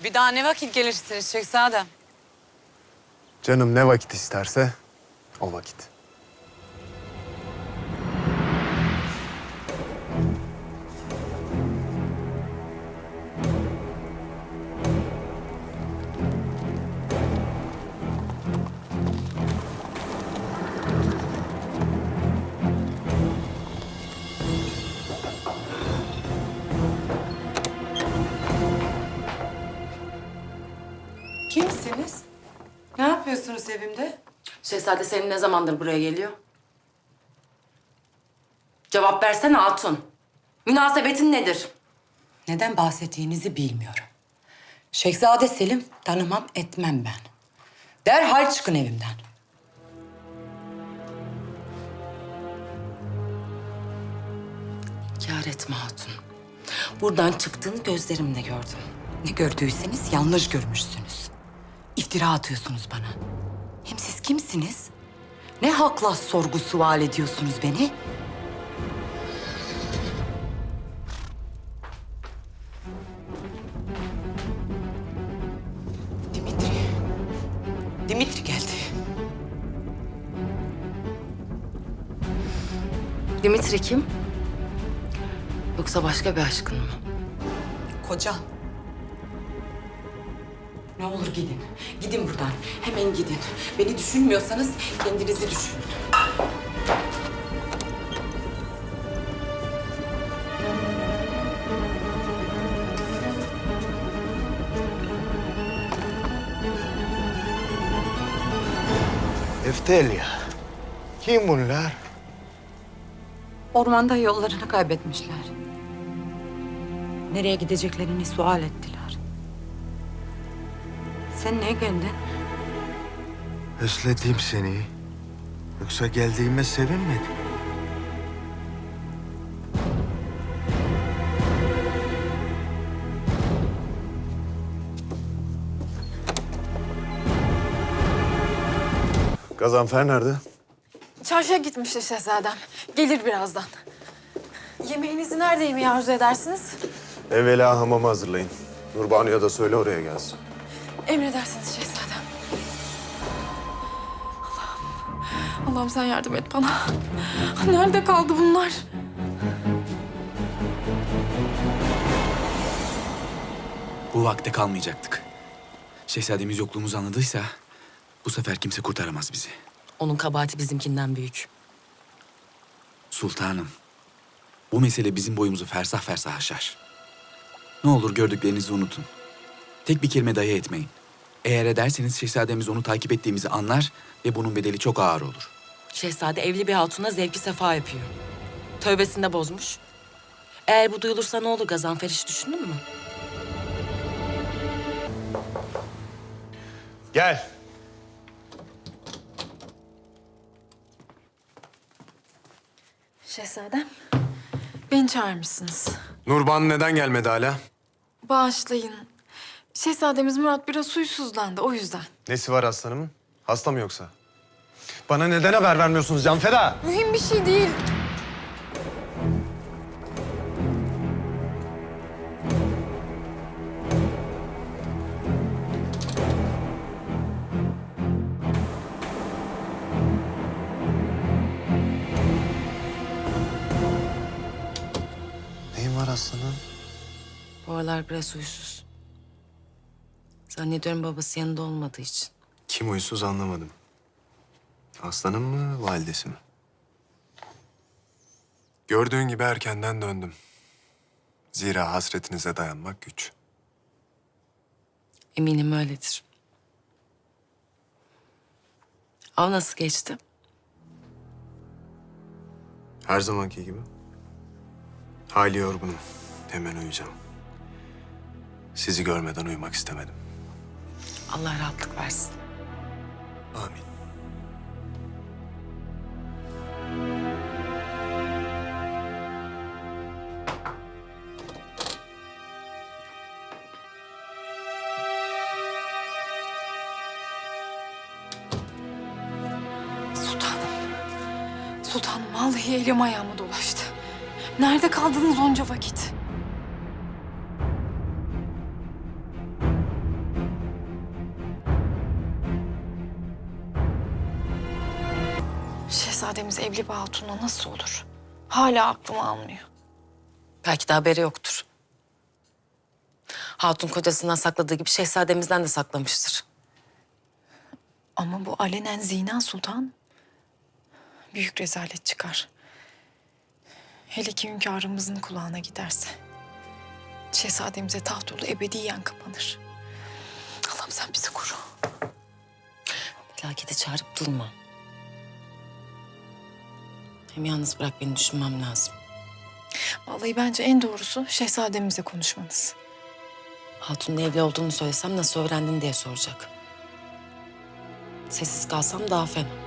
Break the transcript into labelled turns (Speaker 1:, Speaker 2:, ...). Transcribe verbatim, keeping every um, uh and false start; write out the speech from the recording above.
Speaker 1: Bir daha ne vakit gelirsiniz Şehzadem?
Speaker 2: Canım ne vakit isterse o vakit.
Speaker 3: Kimsiniz? Ne yapıyorsunuz evimde?
Speaker 4: Şehzade Selim ne zamandır buraya geliyor? Cevap versene hatun. Münasebetin nedir?
Speaker 3: Neden bahsettiğinizi bilmiyorum. Şehzade Selim tanımam etmem ben. Derhal çıkın evimden.
Speaker 4: Kâr etme hatun. Buradan çıktığını gözlerimle gördüm.
Speaker 3: Ne gördüyseniz yanlış görmüşsünüz. İftira atıyorsunuz bana. Hem siz kimsiniz? Ne hakla sorgu sual ediyorsunuz beni? Dimitri. Dimitri geldi.
Speaker 4: Dimitri kim? Yoksa başka bir aşkın mı?
Speaker 3: Kocam. Ne olur gidin. Gidin buradan. Hemen gidin. Beni düşünmüyorsanız kendinizi düşünün.
Speaker 2: Eftelya. Kim bunlar?
Speaker 3: Ormanda yollarını kaybetmişler. Nereye gideceklerini sual ettiler. Sen niye geldin?
Speaker 2: Özledim seni. Yoksa geldiğime sevinmedin. Gazanfer nerede?
Speaker 5: Çarşıya gitmişti şehzadem. Gelir birazdan. Yemeğinizi nerede yemeği arzu edersiniz?
Speaker 2: Evvela hamamı hazırlayın. Nurbanu'ya da söyle oraya gelsin.
Speaker 5: Emredersiniz şehzadem. Allah'ım, Allah'ım sen yardım et bana. Nerede kaldı bunlar?
Speaker 6: Bu vakte kalmayacaktık. Şehzademiz yokluğumuzu anladıysa bu sefer kimse kurtaramaz bizi.
Speaker 4: Onun kabahati bizimkinden büyük.
Speaker 6: Sultanım, bu mesele bizim boyumuzu fersah fersah aşar. Ne olur gördüklerinizi unutun. Tek bir kelime dahi etmeyin. Eğer ederseniz şehzademiz onu takip ettiğimizi anlar ve bunun bedeli çok ağır olur.
Speaker 4: Şehzade evli bir hatuna zevki sefa yapıyor. Tövbesini de bozmuş. Eğer bu duyulursa ne olur Gazanfer, hiç düşündün mü?
Speaker 2: Gel.
Speaker 5: Şehzadem, beni çağırmışsınız.
Speaker 2: Nurbanu neden gelmedi hala?
Speaker 5: Bağışlayın. Şehzademiz Murat biraz huysuzlandı, o yüzden.
Speaker 2: Nesi var aslanımın? Hasta mı yoksa? Bana neden haber vermiyorsunuz Canfeda?
Speaker 5: Mühim bir şey değil.
Speaker 2: Neyin var aslanım?
Speaker 4: Bu aralar biraz huysuz. Zannediyorum babası yanında olmadığı için.
Speaker 2: Kim huysuz anlamadım. Aslanım mı, validesi mi? Gördüğün gibi erkenden döndüm. Zira hasretinize dayanmak güç.
Speaker 4: Eminim öyledir. Av nasıl geçti?
Speaker 2: Her zamanki gibi. Hayli yorgunum. Hemen uyuyacağım. Sizi görmeden uyumak istemedim.
Speaker 4: Allah rahatlık versin.
Speaker 2: Amin.
Speaker 5: Sultanım. Sultanım vallahi elim ayağıma dolaştı. Nerede kaldınız onca vakit? Şehzademiz evli bir hatunla nasıl olur? Hala aklım almıyor.
Speaker 4: Belki de haberi yoktur. Hatun kocasından sakladığı gibi şehzademizden de saklamıştır.
Speaker 5: Ama bu alenen zina sultan. Büyük rezalet çıkar. Hele ki hünkârımızın kulağına giderse. Şehzademize taht yolu ebediyen kapanır. Allah'ım sen bizi koru.
Speaker 4: Felakete çağırıp durma. Hem yalnız bırak beni, düşünmem lazım.
Speaker 5: Vallahi bence en doğrusu şehzademizle konuşmanız.
Speaker 4: Hatun'un evli olduğunu söylesem nasıl öğrendin diye soracak. Sessiz kalsam daha fena.